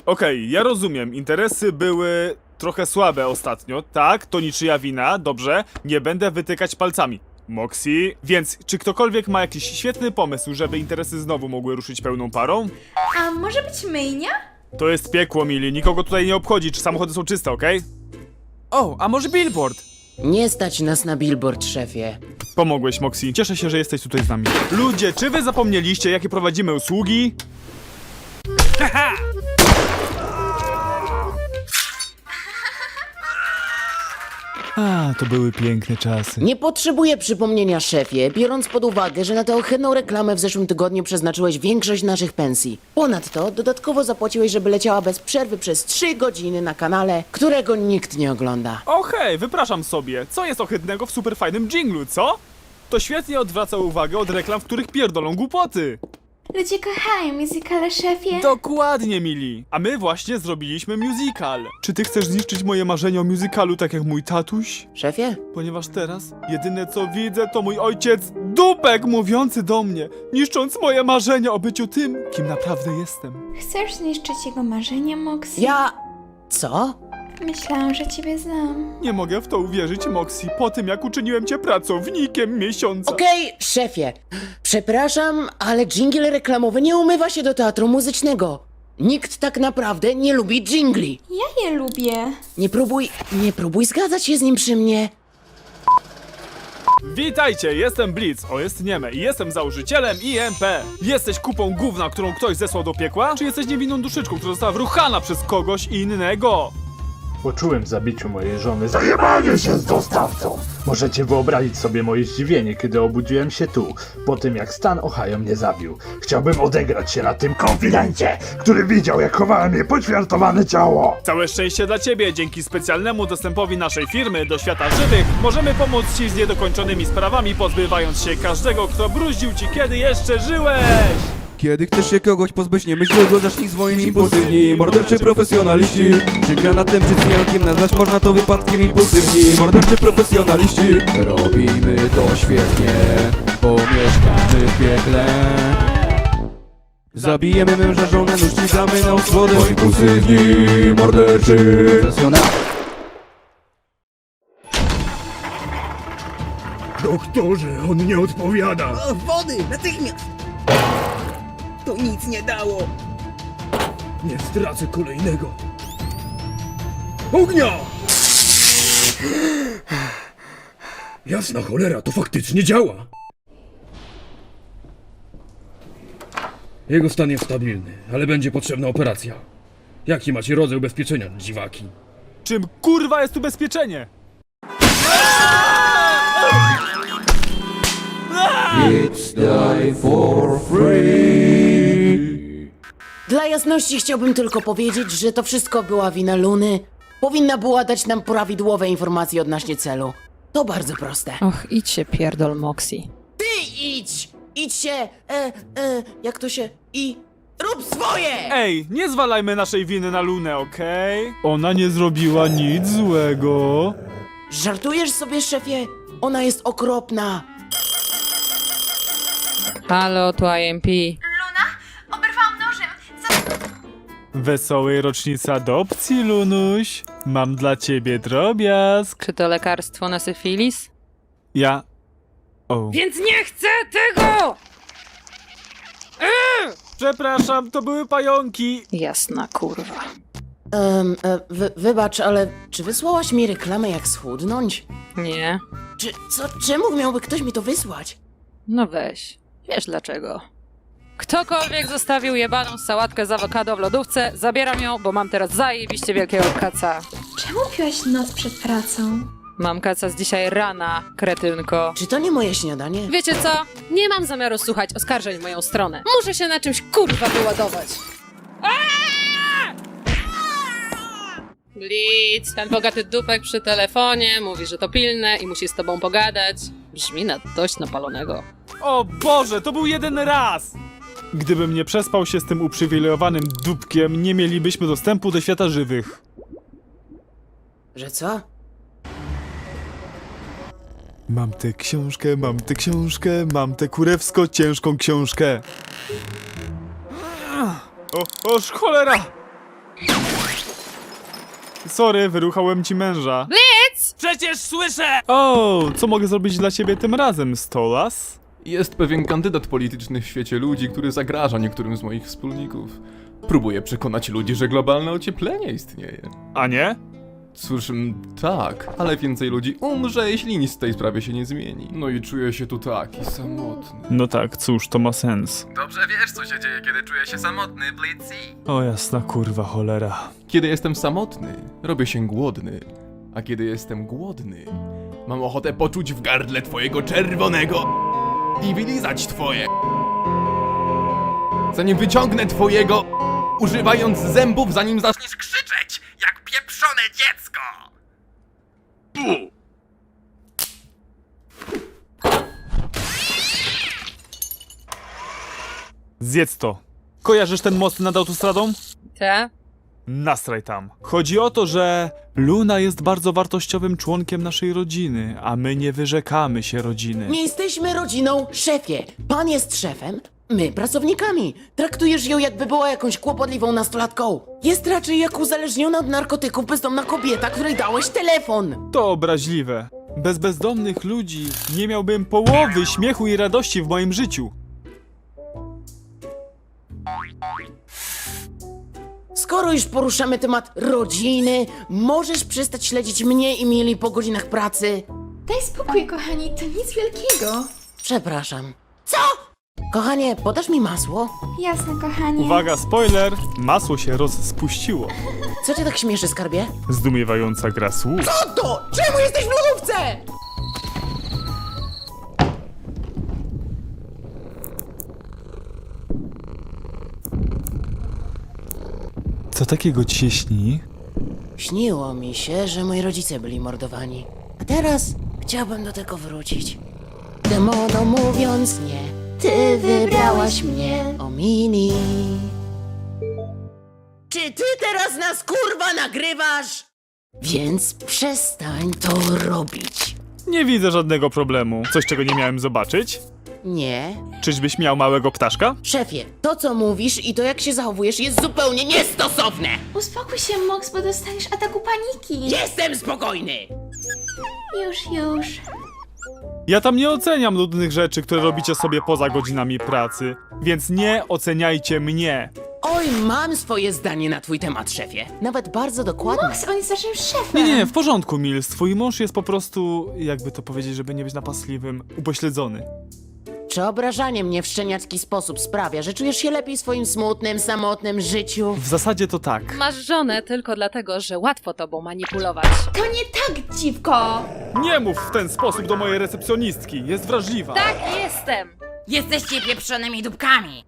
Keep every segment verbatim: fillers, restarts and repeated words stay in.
Okej, ja rozumiem, interesy były trochę słabe ostatnio, tak, to niczyja wina, dobrze, nie będę wytykać palcami. Moxie, więc czy ktokolwiek ma jakiś świetny pomysł, żeby interesy znowu mogły ruszyć pełną parą? A może być myjnia? To jest piekło, Mili, nikogo tutaj nie obchodzi, czy samochody są czyste, okej? O, a może billboard? Nie stać nas na billboard, szefie. Pomogłeś, Moxie, cieszę się, że jesteś tutaj z nami. Ludzie, czy wy zapomnieliście, jakie prowadzimy usługi? Haha! A, to były piękne czasy. Nie potrzebuję przypomnienia, szefie, biorąc pod uwagę, że na tę ohydną reklamę w zeszłym tygodniu przeznaczyłeś większość naszych pensji. Ponadto dodatkowo zapłaciłeś, żeby leciała bez przerwy przez trzy godziny na kanale, którego nikt nie ogląda. O hej, wypraszam sobie, co jest ohydnego w superfajnym dżinglu, co? To świetnie odwraca uwagę od reklam, w których pierdolą głupoty. Ludzie kochają musicale, szefie. Dokładnie, Mili. A my właśnie zrobiliśmy musical. Czy ty chcesz zniszczyć moje marzenia o musicalu tak jak mój tatuś? Szefie? Ponieważ teraz jedyne co widzę to mój ojciec dupek mówiący do mnie, niszcząc moje marzenia o byciu tym, kim naprawdę jestem. Chcesz zniszczyć jego marzenia, Moxie? Ja... Co? Myślałam, że ciebie znam. Nie mogę w to uwierzyć, Moxie, po tym jak uczyniłem cię pracownikiem miesiąca. Okej, szefie. Przepraszam, ale dżingiel reklamowy nie umywa się do teatru muzycznego. Nikt tak naprawdę nie lubi dżingli. Ja je lubię. Nie próbuj, nie próbuj zgadzać się z nim przy mnie. Witajcie, jestem Blitz, o jest Nieme i jestem założycielem I M P. Jesteś kupą gówna, którą ktoś zesłał do piekła? Czy jesteś niewinną duszyczką, która została wruchana przez kogoś innego? Poczułem w zabiciu mojej żony zajebanie się z dostawcą. Możecie wyobrazić sobie moje zdziwienie, kiedy obudziłem się tu, po tym jak stan Ohio mnie zabił. Chciałbym odegrać się na tym konfidencie, który widział, jak chowałem jej poćwiartowane ciało. Całe szczęście dla ciebie, dzięki specjalnemu dostępowi naszej firmy do świata żywych możemy pomóc ci z niedokończonymi sprawami, pozbywając się każdego, kto bruździł ci, kiedy jeszcze żyłeś! Kiedy chcesz się kogoś pozbyć, nie myśl długo, zacznij swoim impulsywni. Morderczy profesjonaliści, czy granatem, czy cjankiem nazwać można to wypadkiem impulsywni. Morderczy profesjonaliści, robimy to świetnie, bo mieszkamy w piekle. Zabijemy męża, żonę, nusznicamy na usłodę. Bo impulsywni, morderczy profesjonaliści. Doktorze, on nie odpowiada! O, wody! Natychmiast! To nic nie dało! Nie stracę kolejnego! Ognia! Jasna cholera, to faktycznie działa! Jego stan jest stabilny, ale będzie potrzebna operacja. Jaki macie rodzaj ubezpieczenia, dziwaki? Czym kurwa jest ubezpieczenie? It's die for free. Dla jasności chciałbym tylko powiedzieć, że to wszystko była wina Luny. Powinna była dać nam prawidłowe informacje odnośnie celu. To bardzo proste. Och, idź się pierdol, Moxie. Ty idź! Idź się! E, e, jak to się... I... Rób swoje! Ej, nie zwalajmy naszej winy na Lunę, okej? Ona nie zrobiła nic złego. Żartujesz sobie, szefie? Ona jest okropna. Halo, tu I M P. Luna? Oberwałam nożem. Za... Wesołej rocznicy adopcji, Lunuś. Mam dla ciebie drobiazg. Czy to lekarstwo na syfilis? Ja... O. Więc nie chcę tego! Przepraszam, to były pająki. Jasna kurwa. Um, e, wy, wybacz, ale czy wysłałaś mi reklamę jak schudnąć? Nie. Czy, co, czemu miałby ktoś mi to wysłać? No weź. Wiesz dlaczego. Ktokolwiek zostawił jebaną sałatkę z awokado w lodówce, zabieram ją, bo mam teraz zajebiście wielkiego kaca. Czemu piłaś noc przed pracą? Mam kaca z dzisiaj rana, kretynko. Czy to nie moje śniadanie? Wiecie co? Nie mam zamiaru słuchać oskarżeń w moją stronę. Muszę się na czymś kurwa wyładować. Blitz, ten bogaty dupek przy telefonie mówi, że to pilne i musi z tobą pogadać. Brzmi na dość napalonego. O Boże, to był jeden raz! Gdybym nie przespał się z tym uprzywilejowanym dupkiem, nie mielibyśmy dostępu do świata żywych. Że co? Mam tę książkę, mam tę książkę, mam tę kurewsko ciężką książkę. O, oż cholera! Sorry, wyruchałem ci męża. Blitz! Przecież słyszę! O, co mogę zrobić dla ciebie tym razem, Stolas? Jest pewien kandydat polityczny w świecie ludzi, który zagraża niektórym z moich wspólników. Próbuje przekonać ludzi, że globalne ocieplenie istnieje. A nie? Cóż, m, tak, ale więcej ludzi umrze, jeśli nic w tej sprawie się nie zmieni. No i czuję się tu taki samotny. No tak, cóż, to ma sens. Dobrze wiesz, co się dzieje, kiedy czuję się samotny, Blitzy. O jasna kurwa cholera. Kiedy jestem samotny, robię się głodny. A kiedy jestem głodny, mam ochotę poczuć w gardle twojego czerwonego i wylizać twoje. Zanim wyciągnę twojego, używając zębów, zanim zaczniesz krzyczeć, jak pieprzone dziecko. Zjedz to. Kojarzysz ten most nad autostradą? Te? Nastraj tam. Chodzi o to, że Luna jest bardzo wartościowym członkiem naszej rodziny, a my nie wyrzekamy się rodziny. Nie jesteśmy rodziną, szefie. Pan jest szefem, my pracownikami. Traktujesz ją, jakby była jakąś kłopotliwą nastolatką. Jest raczej jak uzależniona od narkotyków bezdomna kobieta, której dałeś telefon. To obraźliwe. Bez bezdomnych ludzi nie miałbym połowy śmiechu i radości w moim życiu. Skoro już poruszamy temat rodziny, możesz przestać śledzić mnie i Mili po godzinach pracy? Daj spokój, kochani, to nic wielkiego. Przepraszam. Co? Kochanie, podasz mi masło? Jasne, kochanie. Uwaga, spoiler! Masło się rozspuściło. Co cię tak śmieszy, skarbie? Zdumiewająca gra słów. Co to? Czemu jesteś w lodówce? Co takiego ci się śni? Śniło mi się, że moi rodzice byli mordowani. A teraz chciałbym do tego wrócić. Demono mówiąc nie, ty wybrałaś mnie, o Mini. Czy ty teraz nas kurwa nagrywasz? Więc przestań to robić. Nie widzę żadnego problemu. Coś, czego nie miałem zobaczyć? Nie. Czyżbyś miał małego ptaszka? Szefie, to co mówisz i to jak się zachowujesz jest zupełnie niestosowne. Uspokój się, Mox, bo dostaniesz ataku paniki. Jestem spokojny. Już, już. Ja tam nie oceniam nudnych rzeczy, które robicie sobie poza godzinami pracy. Więc nie oceniajcie mnie. Oj, mam swoje zdanie na twój temat, szefie. Nawet bardzo dokładne. Mox, on jest naszym szefem. Nie, nie, w porządku, Mills. Twój mąż jest po prostu, jakby to powiedzieć, żeby nie być napastliwym, upośledzony. Czy obrażanie mnie w szczeniacki sposób sprawia, że czujesz się lepiej w swoim smutnym, samotnym życiu? W zasadzie to tak. Masz żonę tylko dlatego, że łatwo tobą manipulować. To nie tak, dziwko. Nie mów w ten sposób do mojej recepcjonistki. Jest wrażliwa. Tak, jestem! Jesteście pieprzonymi dupkami.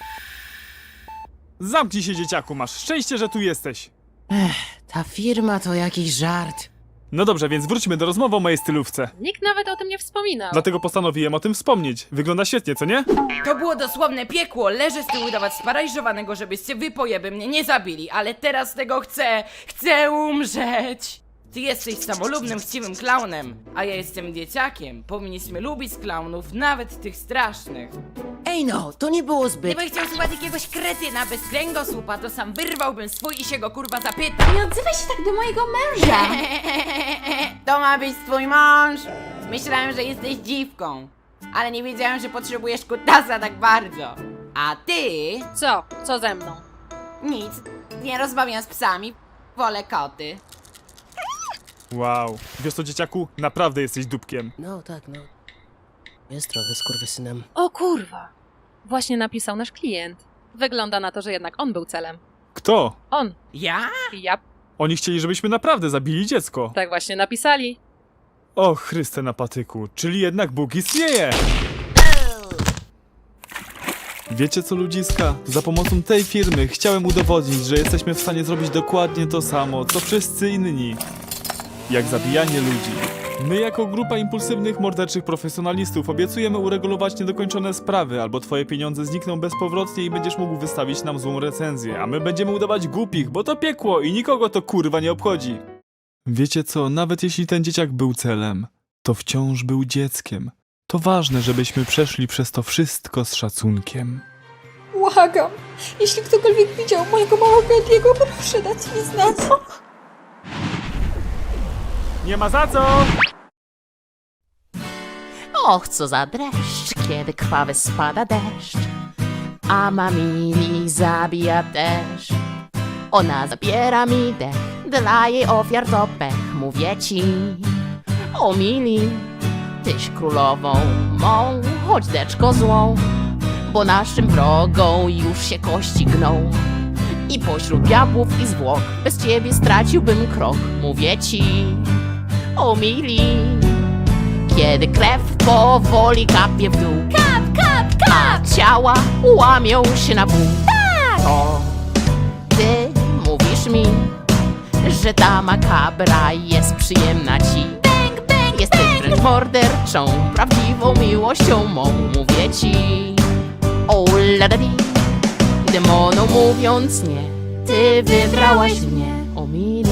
Zamknij się, dzieciaku, masz szczęście, że tu jesteś. Ta firma to jakiś żart. No dobrze, więc wróćmy do rozmowy o mojej stylówce. Nikt nawet o tym nie wspominał. Dlatego postanowiłem o tym wspomnieć. Wygląda świetnie, co nie? To było dosłowne piekło. Leżę z tyłu udawać sparaliżowanego, żebyście wy pojeby mnie nie zabili, ale teraz tego chcę. Chcę umrzeć. Ty jesteś samolubnym, chciwym klaunem, a ja jestem dzieciakiem. Powinniśmy lubić klaunów, nawet tych strasznych. Ej no, to nie było zbyt... Gdybym chciał słuchać jakiegoś kretyna bez kręgosłupa, to sam wyrwałbym swój i się go kurwa zapytał. Nie odzywaj się tak do mojego męża. To ma być twój mąż? Myślałem, że jesteś dziwką, ale nie wiedziałem, że potrzebujesz kutasa tak bardzo. A ty? Co? Co ze mną? Nic. Nie rozmawiam z psami. Wolę koty. Wow. Wiesz co, dzieciaku? Naprawdę jesteś dupkiem. No tak, no. Jest trochę skurwysynem. O kurwa! Właśnie napisał nasz klient. Wygląda na to, że jednak on był celem. Kto? On. Ja? Ja. Oni chcieli, żebyśmy naprawdę zabili dziecko. Tak właśnie napisali. O Chryste na patyku, czyli jednak Bóg istnieje! Wiecie co, ludziska? Za pomocą tej firmy chciałem udowodnić, że jesteśmy w stanie zrobić dokładnie to samo, co wszyscy inni. Jak zabijanie ludzi. My jako grupa impulsywnych, morderczych profesjonalistów obiecujemy uregulować niedokończone sprawy, albo twoje pieniądze znikną bezpowrotnie i będziesz mógł wystawić nam złą recenzję, a my będziemy udawać głupich, bo to piekło i nikogo to kurwa nie obchodzi. Wiecie co, nawet jeśli ten dzieciak był celem, to wciąż był dzieckiem. To ważne, żebyśmy przeszli przez to wszystko z szacunkiem. Wow, błagam. Jeśli ktokolwiek widział mojego małego Ediego, proszę dać mi znać. Nie ma za co! Och, co za dreszcz, kiedy krwawy spada deszcz. A mamili zabija też. Ona zabiera mi dech, dla jej ofiar to pech. Mówię ci, o mili, tyś królową mą, choć deczko złą. Bo naszym wrogom już się kości gną. I pośród diabłów i zwłok bez ciebie straciłbym krok. Mówię ci, o mili, kiedy krew powoli kapie w dół. Kap, kap, kap! A ciała łamią się na pół. Tak! To ty mówisz mi, że ta makabra jest przyjemna ci. Bang, bang, jesteś wręcz morderczą, prawdziwą miłością mą. Mówię ci, o ladadi, demonom mówiąc nie, ty wybrałaś mnie, o mili.